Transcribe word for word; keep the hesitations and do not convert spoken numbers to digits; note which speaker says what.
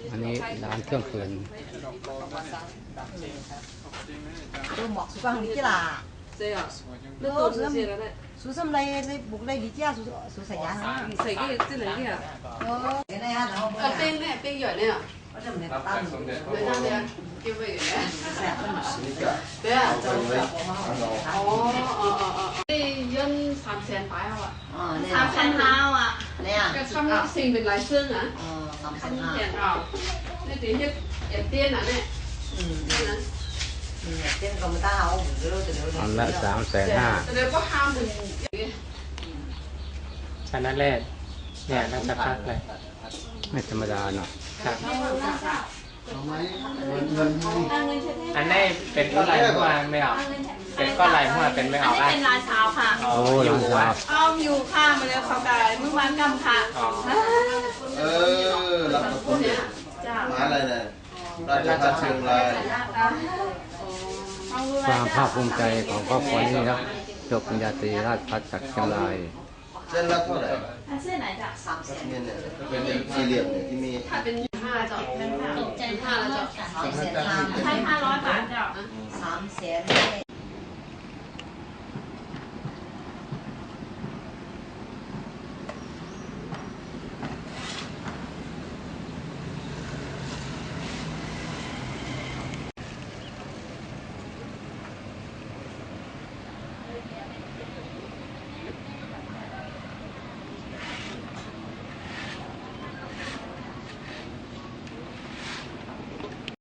Speaker 1: อันนี้ร้านเครื่องเขิน
Speaker 2: tôi mọc số bằng lý chứ là
Speaker 3: Dê à? Nó tồn như gì đó đấy?
Speaker 2: số xâm lấy lấy buộc lấy lý chứ số số sải giá hả?
Speaker 3: Sấy cái tên là cái à?
Speaker 2: Ờ, cái này hả nó
Speaker 3: À, tên này, tên giỏi này à?
Speaker 2: có chừng này tăng
Speaker 3: Người ta đây à? Kêu về cái này.
Speaker 2: sẻ hơn một xíu.
Speaker 3: Thế à?
Speaker 2: Châu sẻ của nó
Speaker 3: Ồ, ờ, ờ, ờ. Đây dân sàn sàn phải không ạ?
Speaker 2: ờ này
Speaker 3: Sàn sàn hao ạ.
Speaker 2: này à
Speaker 3: Cái xăm cái sinh bên lái xương hả?
Speaker 2: ờ tầm
Speaker 3: Xăm
Speaker 2: sẻ
Speaker 3: sàn
Speaker 2: hả
Speaker 3: hao. Đây thì hết hết tiền à này.
Speaker 2: ừ
Speaker 3: Đây nè.
Speaker 2: ừ tiền còn người ta hao từ đâu từ đâu
Speaker 1: อันละสามแสนห้า
Speaker 3: Từ đây có ham mình.
Speaker 4: ชั้นนั้นแรกเนี่ยนั่งสักพักเลย
Speaker 1: ไม่ธรรมดาเนาะ
Speaker 4: ครับ
Speaker 5: เงิน
Speaker 4: อันนี้เป็นก้อนไหลหัวไม่ออกเป็นก้อนไหลหัวเป็นไม่อ
Speaker 6: อัน
Speaker 4: อก
Speaker 6: นี้
Speaker 4: อ่ะ
Speaker 6: เป็นร้านเช้าค่ะ
Speaker 1: โอ้ร้านชา
Speaker 6: อ้อมอยู่ข้ามมาเลยเขากายเมื่อวานกำค่ะ
Speaker 4: อ๋อ
Speaker 5: เออหลับกับคนเนี่ย
Speaker 6: จ้า
Speaker 5: หาอะไรเนี่ยราชพัฒน์เชียงราย
Speaker 1: ความภาคภูมิใจของครอบครัวนี้ครับจบปริญญาตรีราชภัฏจากเชียงราย
Speaker 5: เส้นละเท่าไหร่
Speaker 6: อันเส้นไหนจ้ะ
Speaker 2: sắm sẻ
Speaker 5: เนี่ยเนี่ยเป็นสี่เหลี่ยมเนี่ยที่มี
Speaker 3: ถ้าเป็นห้าจอดเป็นห้าจอด
Speaker 6: เจ็ด
Speaker 3: ห้า
Speaker 6: ห้า
Speaker 3: แล้วจอด
Speaker 2: sắm sẻ tham
Speaker 6: ใช่ค่ะ